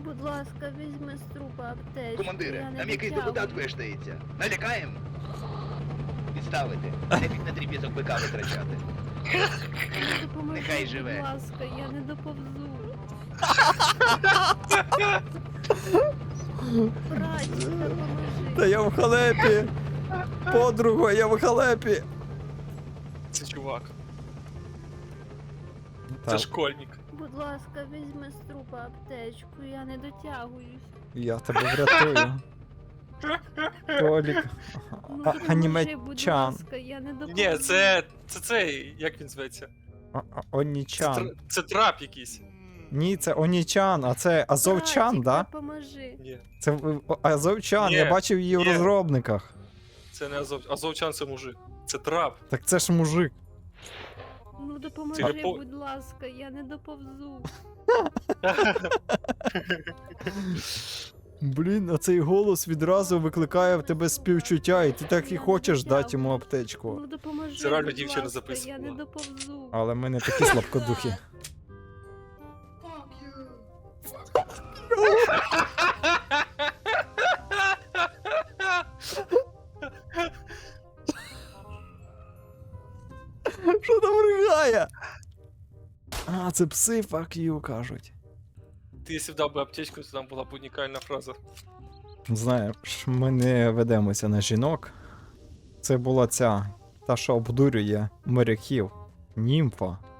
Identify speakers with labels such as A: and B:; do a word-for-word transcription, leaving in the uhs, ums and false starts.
A: Будь ласка, візьми з трупа аптечку.
B: Командире,
A: я не
B: там якийсь
A: дотягую.
B: депутат вештається. Налякаємо? Відставити. Нефік на дріб'язок бика витрачати.
A: Допоможи,
B: Нехай живе.
A: будь ласка, я не доповзу. Братчик, допоможи.
C: Та я в халепі! Подруга, я в халепі!
D: Це чувак.
C: Та,
D: Це школьник.
A: Будь ласка, візьми з трупа аптечку, я не дотягуюсь.
C: я тебе врятую. Толік.
A: Ну,
C: А-
A: допоможи, будь
C: Анімечан.
A: ласка, я не доповзу.
D: Ні, це. це цей. Як він зветься?
C: А- а-
D: Це,
C: Онічан.
D: тр- це трап якийсь.
C: Ні, це Онічан, а це Азовчан,
A: Братчик,
C: да?
A: допоможи.
D: Ні,
C: Це е, о, Азовчан,
D: Ні,
C: я бачив її в
D: ні.
C: розробниках.
D: це не Азов. Азовчан це мужик. Це трап.
C: Так це ж мужик.
A: Ну допоможи,
D: Телепо-
A: будь ласка, я не доповзу.
C: Блін, а цей голос відразу викликає в тебе співчуття, і ти так і хочеш дати йому аптечку.
A: Ну допоможи,
D: Це реально
A: будь
D: дівчина
A: ласка, я
D: записувала.
A: не доповзу.
C: Але ми не такі слабкодухі. Що там ригає? А, це пси fuck you, кажуть.
D: Ти якщо б дав би аптечку, то там була б унікальна фраза.
C: Знаєш, ми не ведемося на жінок. Це була ця, та, що обдурює моряків. Німфа.